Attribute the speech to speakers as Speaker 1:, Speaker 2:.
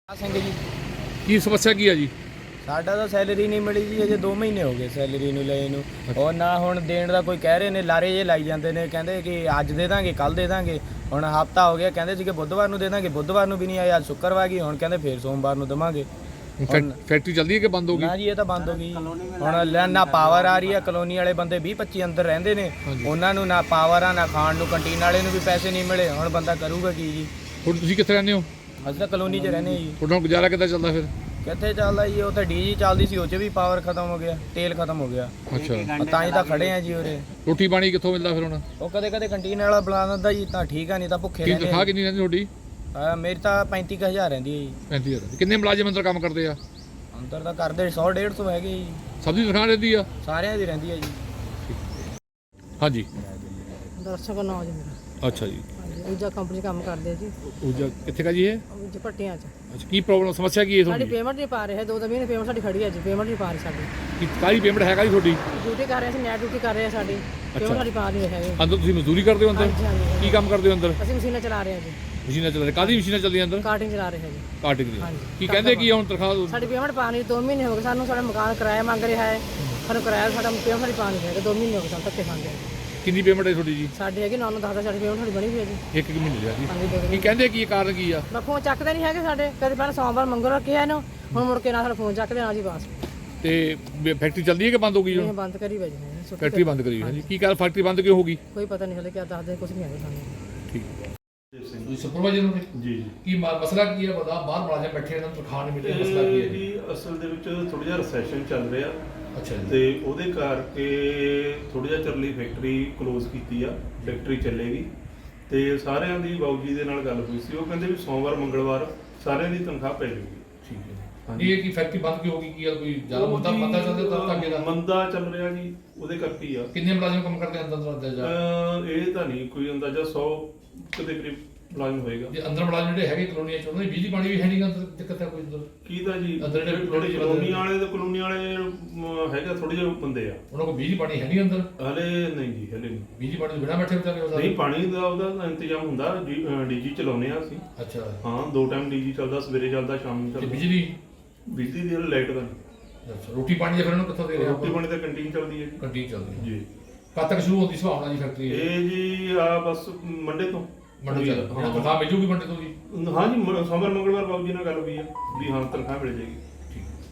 Speaker 1: ਸਿੰਘ ਜੀ
Speaker 2: ਕੀ ਸਮੱਸਿਆ ਕੀ ਹੈ ਜੀ?
Speaker 1: ਸਾਡਾ ਤਾਂ ਸੈਲਰੀ ਨਹੀਂ ਮਿਲੀ ਜੀ, ਅਜੇ 2 ਮਹੀਨੇ ਹੋ ਗਏ ਸੈਲਰੀ ਨੂੰ ਲਏ ਨੂੰ। ਉਹ ਨਾ ਹੁਣ ਦੇਣ ਦਾ ਕੋਈ ਕਹਿ ਰਹੇ ਨੇ, ਲਾਰੇ ਜੇ ਲਾਈ ਜਾਂਦੇ ਨੇ, ਕਹਿੰਦੇ ਕਿ ਅੱਜ ਦੇ ਦਾਂਗੇ ਕੱਲ ਦੇ ਦਾਂਗੇ। ਹੁਣ ਹਫਤਾ ਹੋ ਗਿਆ, ਕਹਿੰਦੇ ਸੀ ਕਿ ਬੁੱਧਵਾਰ ਨੂੰ ਦੇ ਦਾਂਗੇ, ਬੁੱਧਵਾਰ ਨੂੰ ਵੀ ਨਹੀਂ ਆਇਆ। ਅੱਜ ਸ਼ੁੱਕਰਵਾਰ ਗਈ, ਹੁਣ ਕਹਿੰਦੇ ਫੇਰ ਸੋਮਵਾਰ ਨੂੰ ਦੇਵਾਂਗੇ।
Speaker 2: ਫੈਕਟਰੀ ਚੱਲਦੀ ਹੈ ਕਿ ਬੰਦ ਹੋ ਗਈ?
Speaker 1: ਨਾ ਜੀ, ਇਹ ਤਾਂ ਬੰਦ ਹੋ ਗਈ। ਹੁਣ ਨਾ ਪਾਵਰ ਆ ਰਹੀ ਆ, ਕਲੋਨੀ ਵਾਲੇ ਬੰਦੇ 20-25 ਅੰਦਰ ਰਹਿੰਦੇ ਨੇ, ਉਹਨਾਂ ਨੂੰ ਨਾ ਪਾਵਰ ਆ, ਨਾ ਖਾਣ ਨੂੰ, ਕੰਟੀਨ ਵਾਲੇ ਨੂੰ ਵੀ ਪੈਸੇ ਨਹੀਂ ਮਿਲੇ। ਹੁਣ ਬੰਦਾ ਕਰੂਗਾ ਕੀ ਜੀ?
Speaker 2: ਹੁਣ ਤੁਸੀਂ ਕਿੱਥੇ ਰਹਿੰਦੇ ਹੋ?
Speaker 1: ਅਸੀਂ ਤਾਂ ਕਲੋਨੀ 'ਚ ਰਹਿੰਦੇ ਜੀ।
Speaker 2: ਤੁਹਾਡਾ ਗੁਜ਼ਾਰਾ ਕਿੱਦਾਂ ਚੱਲਦਾ ਫਿਰ?
Speaker 1: ਕਿੱਥੇ ਚੱਲਦਾ ਜੀ, ਉਹ ਤਾਂ ਡੀਜੀ ਚੱਲਦੀ ਸੀ, ਉਹ 'ਚ ਵੀ ਪਾਵਰ ਖਤਮ ਹੋ ਗਿਆ, ਤੇਲ ਖਤਮ ਹੋ ਗਿਆ।
Speaker 2: ਅੱਛਾ,
Speaker 1: ਤਾਂ ਹੀ ਤਾਂ ਖੜੇ ਆ ਜੀ ਉਰੇ।
Speaker 2: ਰੋਟੀ ਪਾਣੀ ਕਿੱਥੋਂ ਮਿਲਦਾ ਫਿਰ ਹੁਣ?
Speaker 1: ਉਹ ਕਦੇ ਕਦੇ ਕੰਟੀਨ ਵਾਲਾ ਬੁਲਾ ਦਿੰਦਾ ਜੀ, ਤਾਂ ਠੀਕ ਆ, ਨਹੀਂ ਤਾਂ ਭੁੱਖੇ
Speaker 2: ਕੀ
Speaker 1: ਰਹਿੰਦੇ
Speaker 2: ਤਨਖਾਹ ਕਿੰਨੀ ਰਹਿੰਦੀ ਤੁਹਾਡੀ?
Speaker 1: ਮੇਰੀ ਤਾਂ 35,000 ਰਹਿੰਦੀ ਹੈ ਜੀ।
Speaker 2: 35,000। ਕਿੰਨੇ ਮੁਲਾਜ਼ਮ ਅੰਦਰ ਕੰਮ ਕਰਦੇ ਆ?
Speaker 1: ਅੰਦਰ ਤਾਂ ਕਰਦੇ 100-150 ਹੈਗੇ ਜੀ।
Speaker 2: ਸਭ ਦੀ ਤਨਖਾਹ ਰਹਿੰਦੀ ਆ?
Speaker 1: ਸਾਰਿਆਂ ਦੀ ਰਹਿੰਦੀ ਹੈ ਜੀ।
Speaker 2: ਹਾਂਜੀ,
Speaker 3: ਦਰਸ਼ਕ ਨਾਮ ਜੀ ਮੇਰਾ।
Speaker 2: ਅੱਛਾ ਜੀ।
Speaker 3: ਹਾਂਜੀ, ਊਰਜਾ ਕੰਪਨੀ 'ਚ ਕੰਮ ਕਰਦੇ ਆ ਜੀ।
Speaker 2: ਉਹ ਕਿੱਥੇ ਕਾ ਜੀ ਇਹ?
Speaker 3: ਜੀ ਭੱਟੀਆਂ 'ਚ।
Speaker 2: ਅੱਛਾ, ਕੀ ਪ੍ਰੋਬਲਮ ਸਮੱਸਿਆ ਕੀ ਹੈ
Speaker 3: ਸਾਡੀ
Speaker 2: ਤੁਹਾਡੀ?
Speaker 3: ਪੇਮੈਂਟ ਨਹੀਂ ਪਾ ਰਹੇ, 2 ਮਹੀਨੇ ਪੇਮੈਂਟ ਸਾਡੀ ਖੜੀ ਹੈ ਜੀ, ਪੇਮੈਂਟ ਨਹੀਂ ਪਾ ਰਹੀ ਸਾਡੀ।
Speaker 2: ਕੀ ਕਾਹਦੀ ਪੇਮੈਂਟ ਹੈਗਾ ਜੀ ਤੁਹਾਡੀ?
Speaker 3: ਡਿਊਟੀ ਕਰ ਰਹੇ ਸੀ, ਨੈਟ ਡਿਊਟੀ ਕਰ ਰਹੇ ਆ ਸਾਡੀ, ਪੇਮੈਂਟ ਸਾਡੀ ਪਾ ਨਹੀਂ ਰਹੇ ਹੈਗੇ।
Speaker 2: ਅੰਦਰ ਤੁਸੀਂ ਮਜ਼ਦੂਰੀ ਕਰਦੇ ਹੋ ਅੰਦਰ?
Speaker 3: ਹਾਂਜੀ ਹਾਂਜੀ।
Speaker 2: ਕੀ ਕੰਮ ਕਰਦੇ ਹੋ ਅੰਦਰ?
Speaker 3: ਅਸੀਂ ਮਸ਼ੀਨਾਂ ਚਲਾ ਰਹੇ ਹਾਂ ਜੀ,
Speaker 2: ਮਸ਼ੀਨਾਂ ਚੱਲ ਰਹੀਆਂ? ਕਾਹਦੀ ਮਸ਼ੀਨਾਂ ਚੱਲਦੀਆਂ ਅੰਦਰ?
Speaker 3: ਕਾਰਟਿੰਗ ਚਲਾ ਰਹੇ ਹਾਂ ਜੀ।
Speaker 2: ਕਾਟਿੰਗ ਦੀ।
Speaker 3: ਹਾਂਜੀ।
Speaker 2: ਕੀ ਕਹਿੰਦੇ ਕੀ ਆ ਹੁਣ ਤਨਖਾਹ?
Speaker 3: ਸਾਡੀ ਪੇਮੈਂਟ ਪਾ ਨਹੀਂ, 2 ਮਹੀਨੇ ਹੋ ਗਏ ਸਾਨੂੰ, ਸਾਡਾ ਮਕਾਨ ਕਿਰਾਇਆ ਮੰਗ ਰਿਹਾ ਹੈ, ਸਾਨੂੰ ਕਿਰਾਇਆ ਸਾਡਾ ਪੇਮੈਂਟ ਸਾਡੀ ਪਾ ਨਹੀਂ ਹੈਗਾ, 2 ਮਹੀਨੇ ਹੋ ਗਏ ਸਾਨੂੰ ਧੱਕੇ ਖਾਂਦੇ ਆ।
Speaker 2: ਕਿੰਨੀ ਪੇਮੈਂਟ ਹੈ ਤੁਹਾਡੀ ਜੀ?
Speaker 3: ਸਾਡੇ ਹੈਗੀ 9-10 ਸਾਡੀ ਪੇਮੈਂਟ ਸਾਡੀ ਬਣੀ ਹੋਈ ਹੈ ਜੀ।
Speaker 2: ਇੱਕ ਮਹੀਨੇ ਦੀ ਆ ਜੀ।
Speaker 3: ਹਾਂਜੀ, 2
Speaker 2: ਕੀ
Speaker 3: ਮਹੀਨੇ।
Speaker 2: ਕਹਿੰਦੇ ਕੀ ਕਾਰਨ ਕੀ ਆ?
Speaker 3: ਮੈਂ ਫੋਨ ਚੱਕਦੇ ਨਹੀਂ ਹੈਗੇ ਸਾਡੇ, ਕਦੇ ਪਹਿਲਾਂ ਸੋਮਵਾਰ ਮੰਗਲ ਰੱਖਿਆ ਇਹਨੂੰ, ਹੁਣ ਮੁੜ ਕੇ ਨਾ ਸਾਡਾ ਫੋਨ ਚੱਕਦੇ ਨਾ ਜੀ ਬਸ।
Speaker 2: ਤੇ ਫੈਕਟਰੀ ਚੱਲਦੀ ਹੈ ਕਿ ਬੰਦ ਹੋ ਗਈ
Speaker 3: ਇਹ
Speaker 2: ਹੁਣ?
Speaker 3: ਬੰਦ ਕਰੀ ਵਜੇ ਨੇ ਛੁੱਟੀ
Speaker 2: ਫੈਕਟਰੀ ਬੰਦ ਕਰੀ ਹੋਈ ਹੈ ਜੀ। ਕੀ ਕਾਰਨ ਫੈਕਟਰੀ ਬੰਦ ਕਿਉਂ ਹੋ ਗਈ?
Speaker 3: ਕੋਈ ਪਤਾ ਨਹੀਂ ਹਲੇ ਕਿਆ ਦੱਸਦੇ, ਕੁਝ ਨਹੀਂ ਆਇਆ ਸਾਨੂੰ।
Speaker 2: ਠੀਕ ਹੈ। ਤੁਸੀਂ ਸੁਪਰਵਾਈਜ਼ਰ ਹੋ?
Speaker 4: ਜੀ ਜੀ।
Speaker 2: ਕੀ ਮਸਲਾ ਕੀ ਹੈ? ਬਤਾ ਬਾਹਰ ਮੁਲਾਜ਼ਮ ਬੈਠੇ ਇਹਨਾਂ ਨੂੰ ਤਨਖਾਹ ਨਹੀਂ ਮਿਲ ਰਹੀ, ਮਸਲਾ ਕੀ ਹੈ ਜੀ?
Speaker 4: ਜੀ ਅਸਲ ਦੇ ਵਿੱਚ ਥੋੜਾ ਜਿਹਾ ਰਿਸੈਸ਼ਨ ਚੱਲ ਰਿਹਾ
Speaker 2: ਅੱਛਾ ਜੀ।
Speaker 4: ਤੇ ਉਹਦੇ ਕਰਕੇ ਥੋੜਾ ਜਿਹਾ ਚਿਰ ਲਈ ਫੈਕਟਰੀ ਕਲੋਜ਼ ਕੀਤੀ ਆ। ਫੈਕਟਰੀ ਚੱਲੇਗੀ ਤੇ ਸਾਰਿਆਂ ਦੀ ਬਾਊ ਜੀ ਦੇ ਨਾਲ ਗੱਲ ਹੋਈ ਸੀ, ਉਹ ਕਹਿੰਦੇ ਵੀ ਸੋਮਵਾਰ ਮੰਗਲਵਾਰ ਸਾਰਿਆਂ ਦੀ ਤਨਖਾਹ ਪੈ ਜਾਊਗੀ।
Speaker 2: ਠੀਕ ਹੈ।
Speaker 4: ਹਾਂਜੀ।
Speaker 2: ਇਹ ਕੀ ਫੈਕਟਰੀ ਬੰਦ ਕਿਉਂ ਹੋ ਗਈ? ਕੀ ਆ ਕੋਈ ਜ਼ਿਆਦਾ ਮੁੱਦਾ
Speaker 4: ਉਹ ਜੀ,
Speaker 2: ਪਤਾ ਚੱਲਦਾ ਤਾਂ ਅੱਗੇ ਦਾ?
Speaker 4: ਮੰਦਾ ਚੱਲ ਰਿਹਾ ਜੀ, ਉਹਦੇ ਕਰਕੇ ਹੀ ਆ।
Speaker 2: ਕਿੰਨੇ ਮੁਲਾਜ਼ਮ ਕੰਮ ਕਰਦੇ ਅੰਦਰ ਅੰਦਰ ਜਾ?
Speaker 4: ਇਹ ਤਾਂ ਨਹੀਂ ਕੋਈ ਅੰਦਾਜ਼ਾ 100 ਦੇ ਕਰੀਬ ਮੁਲਾਜ਼ਮ ਹੋਏਗਾ।
Speaker 2: ਜੇ ਅੰਦਰ ਮੁਲਾਜ਼ਮ ਜਿਹੜੇ ਹੈਗੇ ਕਲੋਨੀਆਂ ਚ, ਉਹਨਾਂ ਦੀ ਬਿਜਲੀ ਪਾਣੀ ਵੀ ਹੈ ਨਹੀਂ ਗਾ ਅੰਦਰ? ਦਿੱਕਤ ਹੈ ਕੋਈ ਅੰਦਰ?
Speaker 4: ਕੀ ਤਾਂ ਜੀ
Speaker 2: ਅੰਦਰ ਜਿਹੜੇ
Speaker 4: ਕਲੋਨੀ ਵਾਲੇ ਤੇ ਕਲੋਨੀ ਵਾਲੇ ਹੈਗਾ, ਥੋੜੇ ਜਿਹੇ ਬੰਦੇ ਆ।
Speaker 2: ਉਹਨਾਂ ਕੋਲ ਬਿਜਲੀ ਪਾਣੀ ਹੈ ਨਹੀਂ ਅੰਦਰ?
Speaker 4: ਹਲੇ ਨਹੀਂ ਜੀ, ਹਲੇ ਨਹੀਂ।
Speaker 2: ਬਿਜਲੀ ਪਾਣੀ ਤੋਂ ਬਿਨਾਂ ਬੈਠੇ ਵਿਚਾਰੇ ਉਹ ਸਾਰੇ?
Speaker 4: ਨਹੀਂ, ਪਾਣੀ ਦਾ ਉਹਦਾ ਇੰਤਜ਼ਾਮ ਹੁੰਦਾ, ਡੀਜੀ ਚਲਾਉਂਦੇ ਆ ਅਸੀਂ।
Speaker 2: ਅੱਛਾ।
Speaker 4: ਹਾਂ, 2 ਟਾਈਮ ਡੀਜੀ ਚੱਲਦਾ, ਸਵੇਰੇ ਚੱਲਦਾ, ਸ਼ਾਮ ਨੂੰ
Speaker 2: ਤੇ
Speaker 4: ਚੱਲਦਾ।
Speaker 2: ਬਿਜਲੀ?
Speaker 4: ਬਿਜਲੀ ਦੀ ਲਾਈਟ ਦਾ ਨਹੀਂ।
Speaker 2: ਅੱਛਾ। ਰੋਟੀ ਪਾਣੀ ਦੇ ਫਿਰ ਉਹਨੂੰ ਕਿੱਥੋਂ ਦੇ ਰਹੇ
Speaker 4: ਰੋਟੀ ਪਾਣੀ ਤਾਂ ਕੰਟੀਨ ਚੱਲਦੀ ਹੈ
Speaker 2: ਕੰਟੀਨ ਚੱਲਦੀ ਹੈ
Speaker 4: ਜੀ।
Speaker 2: ਕਦ ਤੱਕ ਸ਼ੁਰੂ ਹੁੰਦੀ ਸੰਭਾਵਨਾ ਜੀ ਫੈਕਟਰੀ?
Speaker 4: ਇਹ ਜੀ ਆ ਬਸ ਮੰਡੇ ਤੋਂ।
Speaker 2: ਮੰਡੀ ਚੱਲ
Speaker 4: ਹਾਂ।
Speaker 2: ਤਨਖਾਹ ਮਿਲ ਜੂਗੀ ਮੰਡੀ ਤੋਂ ਜੀ?
Speaker 4: ਹਾਂ ਜੀ, ਸੋਮਵਾਰ ਮੰਗਲਵਾਰ ਬਾਬੂ ਜੀ ਨਾਲ ਗੱਲ ਹੋਈ ਆ ਵੀ ਹਾਂ ਤਨਖਾਹ ਮਿਲ ਜਾਏਗੀ।